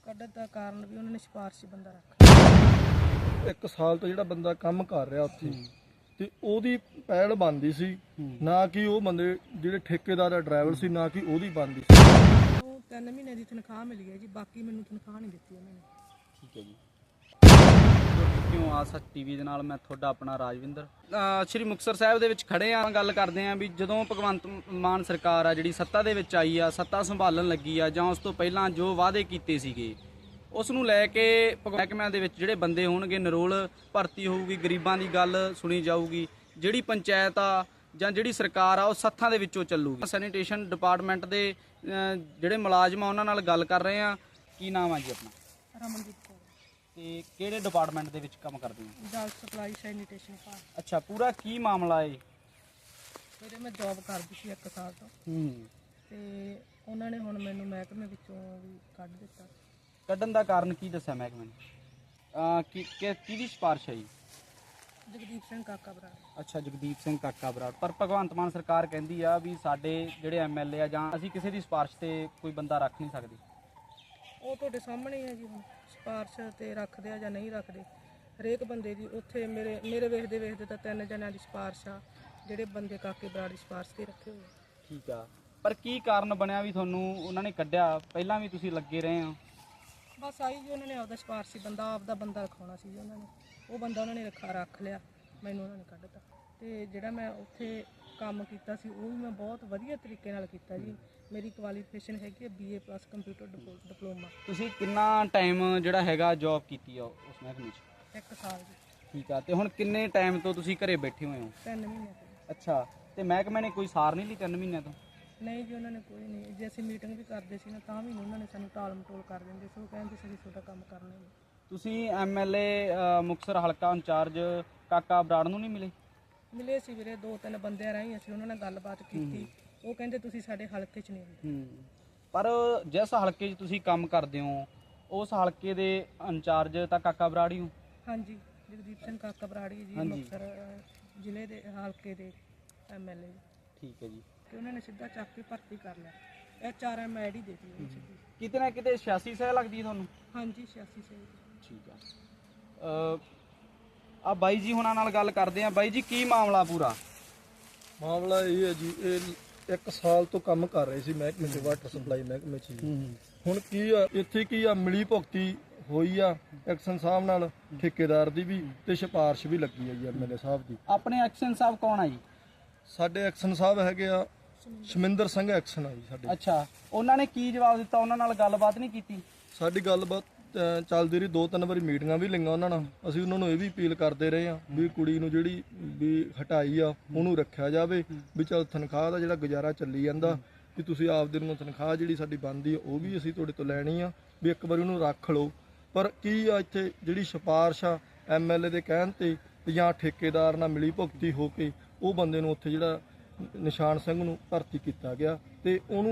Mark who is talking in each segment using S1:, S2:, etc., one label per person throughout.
S1: ਕੱਢਣ ਦਾ ਕਾਰਨ ਵੀ ਉਹਨਾਂ ਨੇ ਸਿਫਾਰਸ਼ੀ ਬੰਦਾ ਰੱਖਿਆ।
S2: 1 ਸਾਲ ਤੋਂ ਜਿਹੜਾ ਬੰਦਾ ਕੰਮ ਕਰ ਰਿਹਾ ਉੱਥੇ ਤੇ ਉਹਦੀ ਪਹਿਲ ਬਣਦੀ ਸੀ, ਨਾ ਕਿ ਉਹ ਬੰਦੇ ਜਿਹੜੇ ਠੇਕੇਦਾਰ ਦਾ ਡਰਾਈਵਰ ਸੀ, ਨਾ ਕਿ ਉਹਦੀ ਬਣਦੀ ਸੀ।
S1: ਉਹ 3 ਮਹੀਨੇ ਦੀ ਤਨਖਾਹ ਮਿਲੀ ਹੈ ਜੀ, ਬਾਕੀ ਮੈਨੂੰ ਤਨਖਾਹ ਨਹੀਂ ਦਿੱਤੀ ਉਹਨਾਂ ਨੇ।
S3: ਠੀਕ ਹੈ ਜੀ। ਕਿਉਂ ਆਸ ਟੀਵੀ ਦੇ ਨਾਲ ਮੈਂ ਤੁਹਾਡਾ ਆਪਣਾ ਰਾਜਵਿੰਦਰ। ਸ਼੍ਰੀ ਮੁਕਤਸਰ ਸਾਹਿਬ ਦੇ ਵਿੱਚ ਖੜੇ ਆ, ਗੱਲ ਕਰਦੇ ਆ ਵੀ ਜਦੋਂ ਭਗਵੰਤ ਮਾਨ ਸਰਕਾਰ ਆ ਜਿਹੜੀ ਸੱਤਾ ਦੇ ਵਿੱਚ ਆਈ ਆ, ਸੱਤਾ ਸੰਭਾਲਣ ਲੱਗੀ ਆ, ਜਾਂ ਉਸ ਤੋਂ ਪਹਿਲਾਂ ਜੋ ਵਾਅਦੇ ਕੀਤੇ ਸੀਗੇ ਉਸ ਨੂੰ ਲੈ ਕੇ ਮਹਿਕਮਿਆਂ ਦੇ ਵਿੱਚ ਜਿਹੜੇ ਬੰਦੇ ਹੋਣਗੇ, ਨਰੋਲ ਭਰਤੀ ਹੋਊਗੀ, ਗਰੀਬਾਂ ਦੀ ਗੱਲ ਸੁਣੀ ਜਾਊਗੀ, ਜਿਹੜੀ ਪੰਚਾਇਤ ਆ ਜਾਂ ਜਿਹੜੀ ਸਰਕਾਰ ਆ ਉਹ ਸੱਥਾਂ ਦੇ ਵਿੱਚੋਂ ਚੱਲੂਗੀ। ਸੈਨੀਟੇਸ਼ਨ ਡਿਪਾਰਟਮੈਂਟ ਦੇ ਜਿਹੜੇ ਮੁਲਾਜ਼ਮ ਆ ਉਹਨਾਂ ਨਾਲ ਗੱਲ ਕਰ ਰਹੇ ਆ। ਕੀ ਨਾਮ ਆ ਜੀ ਆਪਣਾ?
S1: ਰਮਨਦੀਪ ਕੌਰ।
S3: ਤੇ ਕਿਹੜੇ ਡਿਪਾਰਟਮੈਂਟ ਦੇ ਵਿੱਚ ਕੰਮ ਕਰਦੇ ਹੋ?
S1: ਜਲ ਸਪਲਾਈ ਸੈਨੀਟੇਸ਼ਨ ਭਾਗ।
S3: ਅੱਛਾ, ਪੂਰਾ ਕੀ ਮਾਮਲਾ ਏ?
S1: ਮੇਰੇ ਮੈਂ ਜੌਬ ਕਰਦੀ ਸੀ 1 ਸਾਲ ਤੋਂ, ਤੇ ਉਹਨਾਂ ਨੇ ਹੁਣ ਮੈਨੂੰ ਮਹਿਕਮੇ ਵਿੱਚੋਂ ਵੀ ਕੱਢ ਦਿੱਤਾ।
S3: ਕੱਢਣ ਦਾ ਕਾਰਨ ਕੀ ਦੱਸਿਆ ਮਹਿਕਮੇ ਨੇ? ਕਿਹਦੀ ਸਿਫਾਰਿਸ਼ ਹੈ ਜੀ?
S1: ਜਗਦੀਪ ਸਿੰਘ ਕਾਕਾ ਬਰਾੜ।
S3: ਅੱਛਾ, ਜਗਦੀਪ ਸਿੰਘ ਕਾਕਾ ਬਰਾੜ। ਪਰ ਭਗਵੰਤ ਮਾਨ ਸਰਕਾਰ ਕਹਿੰਦੀ ਆ ਵੀ ਸਾਡੇ ਜਿਹੜੇ ਐਮਐਲਏ ਆ ਜਾਂ ਅਸੀਂ ਕਿਸੇ ਦੀ ਸਿਫਾਰਿਸ਼ ਤੇ ਕੋਈ ਬੰਦਾ ਰੱਖ ਨਹੀਂ ਸਕਦੇ।
S1: ਉਹ ਤੁਹਾਡੇ ਸਾਹਮਣੇ ਹੀ ਹੈ ਜੀ, ਹੁਣ ਸਿਫਾਰਿਸ਼ ਤੇ ਰੱਖਦੇ ਆ ਜਾਂ ਨਹੀਂ ਰੱਖਦੇ। ਹਰੇਕ ਬੰਦੇ ਦੀ ਉੱਥੇ ਮੇਰੇ ਵੇਖਦੇ ਤਾਂ 3 ਜਣਿਆਂ ਦੀ ਸਿਫਾਰਿਸ਼ ਆ, ਜਿਹੜੇ ਬੰਦੇ ਕਾਕੇ ਬਰਾੜ ਦੀ ਸਿਫਾਰਿਸ਼ ਤੇ ਰੱਖੇ ਹੋਏ।
S3: ਠੀਕ ਆ, ਪਰ ਕੀ ਕਾਰਨ ਬਣਿਆ ਵੀ ਤੁਹਾਨੂੰ ਉਹਨਾਂ ਨੇ ਕੱਢਿਆ? ਪਹਿਲਾਂ ਵੀ ਤੁਸੀਂ ਲੱਗੇ ਰਹੇ ਹੋ।
S1: ਬਸ ਆਈ ਜੀ, ਉਹਨਾਂ ਨੇ ਆਪਦਾ ਸਿਫਾਰਸ਼ੀ ਬੰਦਾ ਬੰਦਾ ਰਖਾਉਣਾ ਸੀ ਜੀ ਉਹਨਾਂ ਨੇ। ਉਹ ਬੰਦਾ ਉਹਨਾਂ ਨੇ ਰੱਖ ਲਿਆ, ਮੈਨੂੰ ਉਹਨਾਂ ਨੇ ਕੱਢਤਾ। ਤੇ ਜਿਹੜਾ ਮੈਂ ਉੱਥੇ ਕੰਮ ਕੀਤਾ ਸੀ ਉਹ ਵੀ ਮੈਂ ਬਹੁਤ ਵਧੀਆ ਤਰੀਕੇ ਨਾਲ ਕੀਤਾ ਜੀ। ਮੇਰੀ ਕੁਆਲੀਫਿਕੇਸ਼ਨ ਹੈਗੀ ਹੈ BA+ ਕੰਪਿਊਟਰ ਡਿਪਲੋਮਾ।
S3: ਤੁਸੀਂ ਕਿੰਨਾ ਟਾਈਮ ਜਿਹੜਾ ਹੈਗਾ ਜੌਬ ਕੀਤੀ ਆ ਉਸ ਮਹਿਕਮੇ 'ਚ?
S1: 1 ਸਾਲ ਜੀ।
S3: ਠੀਕ ਆ, ਤੇ ਹੁਣ ਕਿੰਨੇ ਟਾਈਮ ਤੋਂ ਤੁਸੀਂ ਘਰੇ ਬੈਠੇ ਹੋਏ ਹੋ?
S1: 3 ਮਹੀਨੇ ਤੋਂ।
S3: ਅੱਛਾ, ਤੇ ਮਹਿਕਮੇ ਨੇ ਕੋਈ ਸਾਰ ਨਹੀਂ ਲਈ 3 ਮਹੀਨਿਆਂ ਤੋਂ?
S1: ਨਹੀਂ ਜੀ, ਉਹਨਾਂ ਨੇ ਕੋਈ ਨਹੀਂ। ਜੇ ਅਸੀਂ ਮੀਟਿੰਗ ਵੀ ਕਰਦੇ ਸੀ ਨਾ ਤਾਂ ਵੀ ਉਹਨਾਂ ਨੇ ਸਾਨੂੰ ਟਾਲ ਮਟੋਲ ਕਰ ਦਿੰਦੇ ਸੀ। ਉਹ ਕਹਿੰਦੇ ਸੀ ਤੁਹਾਡਾ ਕੰਮ ਕਰਨਾ ਨਹੀਂ।
S3: ਤੁਸੀਂ ਐਮਐਲਏ ਮੁਕਤਸਰ ਹਲਕਾ ਇੰਚਾਰਜ ਕਾਕਾ ਬਰਾੜ ਨੂੰ ਨਹੀਂ ਮਿਲੇ?
S1: ਮਿਲੇ ਸੀ ਵੀਰੇ, 2-3 ਬੰਦਿਆਂ ਰਾਹੀਂ ਅਸੀਂ ਉਹਨਾਂ ਨਾਲ ਗੱਲਬਾਤ ਕੀਤੀ। ਉਹ ਕਹਿੰਦੇ ਤੁਸੀਂ ਸਾਡੇ ਹਲਕੇ 'ਚ ਨਹੀਂ ਆਉਂਦੇ।
S3: ਪਰ ਜਿਸ ਹਲਕੇ 'ਚ ਤੁਸੀਂ ਕੰਮ ਕਰਦੇ ਹੋ ਉਸ ਹਲਕੇ ਦੇ ਇੰਚਾਰਜ ਤਾਂ ਕਾਕਾ ਬਰਾੜ ਹੀ ਹੋ?
S1: ਹਾਂਜੀ, ਜਗਦੀਪ ਸਿੰਘ ਕਾਕਾ ਬਰਾੜੀ ਜੀ, ਮੁਕਤਸਰ ਜ਼ਿਲ੍ਹੇ ਦੇ ਹਲਕੇ ਦੇ ਐਮਐਲਏ।
S3: ਠੀਕ ਹੈ ਜੀ।
S1: ਕਿ ਉਹਨਾਂ ਨੇ ਸਿੱਧਾ ਚੱਕ ਕੇ ਭਰਤੀ ਕਰ ਲਿਆ। HRM ਆਈਡੀ ਦੇ ਦਿੱਤੀ ਉਹਨੂੰ ਸਿੱਧੀ।
S3: ਕਿਤੇ ਨਾ ਕਿਤੇ 86 ਸਹਿ ਲੱਗਦੀ ਤੁਹਾਨੂੰ?
S1: ਹਾਂਜੀ, 86 ਸਹੀ।
S3: ਠੀਕ ਆ। ਆ ਬਾਈ ਜੀ ਹੁਣਾਂ ਨਾਲ ਗੱਲ ਕਰਦੇ ਆ। ਬਾਈ ਜੀ, ਕੀ ਮਾਮਲਾ ਪੂਰਾ?
S2: ਮਾਮਲਾ ਇਹ ਹੈ ਜੀ, ਇਹ 1 ਸਾਲ ਤੋਂ ਕੰਮ ਕਰ ਰਹੇ ਸੀ ਮਹਿਕਮੇ 'ਚ, ਵਾਟਰ ਸਪਲਾਈ ਮਹਿਕਮੇ 'ਚ। ਹੁਣ ਕੀ ਆ ਇੱਥੇ, ਕੀ ਆ ਮਿਲੀ ਭੁਗਤੀ ਹੋਈ ਆ ਐਕਸ਼ਨ ਸਾਹਿਬ ਨਾਲ, ਠੇਕੇਦਾਰ ਦੀ ਵੀ ਤੇ ਸਿਫਾਰਿਸ਼ ਵੀ ਲੱਗੀ ਆ ਜੀ MLA ਸਾਹਿਬ ਦੀ।
S3: ਆਪਣੇ ਐਕਸ਼ਨ ਸਾਹਿਬ ਕੌਣ ਆ ਜੀ?
S2: ਸਾਡੇ ਐਕਸ਼ਨ ਸਾਹਿਬ ਹੈਗੇ ਆ ਸ਼ਮਿੰਦਰ ਸਿੰਘ ਐਕਸ਼ਨ ਆ ਜੀ ਸਾਡੇ।
S3: ਅੱਛਾ, ਉਹਨਾਂ ਨੇ ਕੀ ਜਵਾਬ ਦਿੱਤਾ? ਉਹਨਾਂ ਨਾਲ ਗੱਲਬਾਤ ਨਹੀਂ ਕੀਤੀ?
S2: ਸਾਡੀ ਗੱਲਬਾਤ ਚੱਲਦੀ ਰਹੀ, 2-3 ਵਾਰੀ ਮੀਟਿੰਗਾਂ ਵੀ ਲਈਆਂ ਉਹਨਾਂ ਨਾਲ। ਅਸੀਂ ਉਹਨਾਂ ਨੂੰ ਇਹ ਵੀ ਅਪੀਲ ਕਰਦੇ ਰਹੇ ਆ ਵੀ ਕੁੜੀ ਨੂੰ ਜਿਹੜੀ ਵੀ ਹਟਾਈ ਆ ਉਹਨੂੰ ਰੱਖਿਆ ਜਾਵੇ, ਵੀ ਚੱਲ ਤਨਖਾਹ ਦਾ ਜਿਹੜਾ ਗੁਜ਼ਾਰਾ ਚੱਲੀ ਜਾਂਦਾ, ਵੀ ਤੁਸੀਂ ਆਪਦੇ ਨੂੰ ਤਨਖਾਹ ਜਿਹੜੀ ਸਾਡੀ ਬਣਦੀ ਆ ਉਹ ਵੀ ਅਸੀਂ ਤੁਹਾਡੇ ਤੋਂ ਲੈਣੀ ਆ, ਵੀ ਇੱਕ ਵਾਰੀ ਉਹਨੂੰ ਰੱਖ ਲਓ। ਪਰ ਕੀ ਆ ਇੱਥੇ ਜਿਹੜੀ ਸਿਫਾਰਿਸ਼ ਆ MLA ਦੇ ਕਹਿਣ ਤੇ ਜਾਂ ਠੇਕੇਦਾਰ ਨਾਲ ਮਿਲੀ ਭੁਗਤੀ ਹੋ ਕੇ ਉਹ ਬੰਦੇ ਨੂੰ ਉੱਥੇ ਜਿਹੜਾ ਨਿਸ਼ਾਨ ਸਿੰਘ ਨੂੰ ਭਰਤੀ ਕੀਤਾ ਗਿਆ, ਤੇ ਉਹਨੂੰ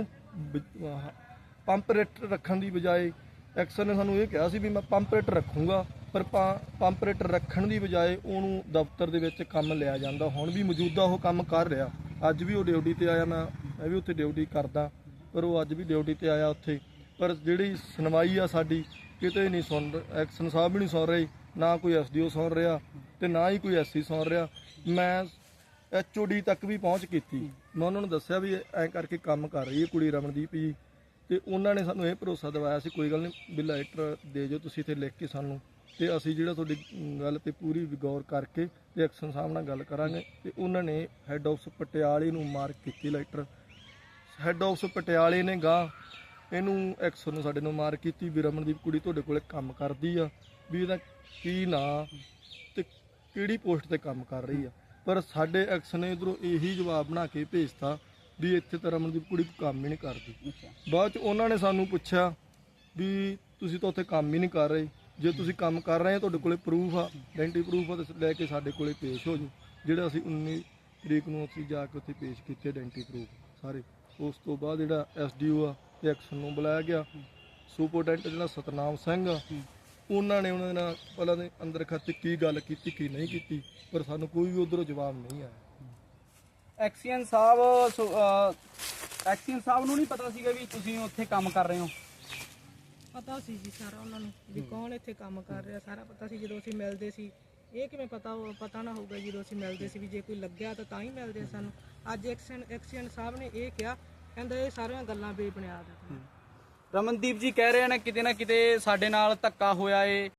S2: ਪੰਪਰੇਟਰ ਰੱਖਣ ਦੀ ਬਜਾਏ ਐਕਸ਼ਨ ਨੇ ਸਾਨੂੰ ਇਹ ਕਿਹਾ ਸੀ ਵੀ ਮੈਂ ਪੰਪਰੇਟਰ ਰੱਖੂੰਗਾ, ਪਰ ਪੰਪਰੇਟਰ ਰੱਖਣ ਦੀ ਬਜਾਏ ਉਹਨੂੰ ਦਫ਼ਤਰ ਦੇ ਵਿੱਚ ਕੰਮ ਲਿਆ ਜਾਂਦਾ। ਹੁਣ ਵੀ ਮੌਜੂਦਾ ਉਹ ਕੰਮ ਕਰ ਰਿਹਾ, ਅੱਜ ਵੀ ਉਹ ਡਿਊਟੀ ਤੇ ਆਇਆ, ਮੈਂ ਵੀ ਉੱਥੇ ਡਿਊਟੀ ਕਰਦਾ, ਪਰ ਉਹ ਅੱਜ ਵੀ ਡਿਊਟੀ ਤੇ ਆਇਆ ਉੱਥੇ। ਪਰ ਜਿਹੜੀ ਸੁਣਵਾਈ ਆ ਸਾਡੀ ਕਿਤੇ ਨਹੀਂ ਸੁਣ, ਐਕਸ਼ਨ ਸਾਹਿਬ ਵੀ ਨਹੀਂ ਸੁਣ ਰਹੇ, ਨਾ ਕੋਈ SDO ਸੁਣ ਰਿਹਾ ਤੇ ਨਾ ਹੀ ਕੋਈ SC ਸੁਣ ਰਿਹਾ। ਮੈਂ HOD ਤੱਕ ਵੀ ਪਹੁੰਚ ਕੀਤੀ, ਮੈਂ ਉਹਨਾਂ ਨੂੰ ਦੱਸਿਆ ਵੀ ਐਂ ਕਰਕੇ ਕੰਮ ਕਰ ਰਹੀ ਹੈ ਕੁੜੀ ਰਮਨਦੀਪ ਜੀ, ਤੇ ਉਹਨਾਂ ਨੇ ਸਾਨੂੰ ਇਹ ਭਰੋਸਾ ਦਿਵਾਇਆ ਸੀ ਕੋਈ ਗੱਲ ਨਹੀਂ ਵੀ ਲੈਟਰ ਦੇ ਜੋ ਤੁਸੀਂ ਇੱਥੇ ਲਿਖ ਕੇ ਸਾਨੂੰ, ਤੇ ਅਸੀਂ ਜਿਹੜਾ ਤੁਹਾਡੀ ਗੱਲ ਤੇ ਪੂਰੀ ਗੌਰ ਕਰਕੇ ਤੇ ਐਕਸ਼ਨ ਸਾਹਿਬ ਨਾਲ ਗੱਲ ਕਰਾਂਗੇ। ਤੇ ਉਹਨਾਂ ਨੇ ਹੈੱਡ ਆਫਿਸ ਪਟਿਆਲੇ ਨੂੰ ਮਾਰਕ ਕੀਤੀ ਲੈਟਰ। ਹੈੱਡ ਆਫਿਸ ਪਟਿਆਲੇ ਨੇ ਗਾਂ ਇਹਨੂੰ ਐਕਸ਼ਨ ਨੂੰ ਸਾਡੇ ਨੂੰ ਮਾਰਕ ਕੀਤੀ ਵੀ ਰਮਨਦੀਪ ਕੁੜੀ ਤੁਹਾਡੇ ਕੋਲੇ ਕੰਮ ਕਰਦੀ ਆ, ਵੀ ਇਹਦਾ ਕੀ ਨਾਂ ਤੇ ਕਿਹੜੀ ਪੋਸਟ ਤੇ ਕੰਮ ਕਰ ਰਹੀ ਆ। ਪਰ ਸਾਡੇ ਐਕਸ਼ਨ ਨੇ ਇੱਧਰੋਂ ਇਹੀ ਜਵਾਬ ਬਣਾ ਕੇ ਭੇਜਤਾ ਵੀ ਇੱਥੇ ਤਾਂ ਰਮਨਦੀਪ ਕੁੜੀ ਕੰਮ ਹੀ ਨਹੀਂ ਕਰਦੀ। ਬਾਅਦ 'ਚ ਉਹਨਾਂ ਨੇ ਸਾਨੂੰ ਪੁੱਛਿਆ ਵੀ ਤੁਸੀਂ ਤਾਂ ਉੱਥੇ ਕੰਮ ਹੀ ਨਹੀਂ ਕਰ ਰਹੇ, ਜੇ ਤੁਸੀਂ ਕੰਮ ਕਰ ਰਹੇ ਹੋ ਤੁਹਾਡੇ ਕੋਲੇ ਪ੍ਰੂਫ ਆ, ਆਇਡੈਂਟੀ ਪ੍ਰੂਫ ਆ, ਤੇ ਲੈ ਕੇ ਸਾਡੇ ਕੋਲੇ ਪੇਸ਼ ਹੋ ਜਾਓ। ਜਿਹੜਾ ਅਸੀਂ 19 ਤਰੀਕ ਨੂੰ ਅਸੀਂ ਜਾ ਕੇ ਉੱਥੇ ਪੇਸ਼ ਕੀਤੇ ਆਇਡੈਂਟੀ ਪ੍ਰੂਫ ਸਾਰੇ। ਉਸ ਤੋਂ ਬਾਅਦ ਜਿਹੜਾ SDO ਆ ਤੇ ਐਕਸ਼ਨ ਨੂੰ ਬੁਲਾਇਆ ਗਿਆ। ਸੁਪਰਡੈਂਟ ਜਿਹੜਾ ਸਤਨਾਮ ਸਿੰਘ ਆ, ਉਹਨਾਂ ਨੇ ਉਹਨਾਂ ਦੇ ਨਾਲ ਪਹਿਲਾਂ ਦੇ ਅੰਦਰ ਖਾਤੇ ਕੀ ਗੱਲ ਕੀਤੀ ਕੀ ਨਹੀਂ ਕੀਤੀ, ਪਰ ਸਾਨੂੰ ਕੋਈ ਵੀ ਉੱਧਰੋਂ ਜਵਾਬ ਨਹੀਂ ਆਇਆ।
S3: ਐਕਸ਼ਨ ਸਾਹਿਬ ਨੂੰ ਨਹੀਂ ਪਤਾ ਸੀਗਾ ਵੀ ਤੁਸੀਂ ਉੱਥੇ ਕੰਮ ਕਰ ਰਹੇ ਹੋ?
S1: ਪਤਾ ਸੀ ਜੀ ਸਾਰਾ ਉਹਨਾਂ ਨੂੰ ਵੀ ਕੌਣ ਇੱਥੇ ਕੰਮ ਕਰ ਰਿਹਾ, ਸਾਰਾ ਪਤਾ ਸੀ ਜਦੋਂ ਅਸੀਂ ਮਿਲਦੇ ਸੀ। ਇਹ ਕਿਵੇਂ ਪਤਾ ਨਾ ਹੋਊਗਾ ਜਦੋਂ ਅਸੀਂ ਮਿਲਦੇ ਸੀ ਵੀ ਜੇ ਕੋਈ ਲੱਗਿਆ ਤਾਂ ਹੀ ਮਿਲਦੇ ਆ ਸਾਨੂੰ। ਅੱਜ ਐਕਸੀਡੈਂਟ ਸਾਹਿਬ ਨੇ ਇਹ ਕਿਹਾ, ਕਹਿੰਦਾ ਇਹ ਸਾਰੀਆਂ ਗੱਲਾਂ ਬੇਬੁਨਿਆਦ ਆ।
S3: ਰਮਨਦੀਪ ਜੀ ਕਹਿ ਰਹੇ ਨੇ ਕਿਤੇ ਨਾ ਕਿਤੇ ਸਾਡੇ ਨਾਲ ਧੱਕਾ ਹੋਇਆ ਏ।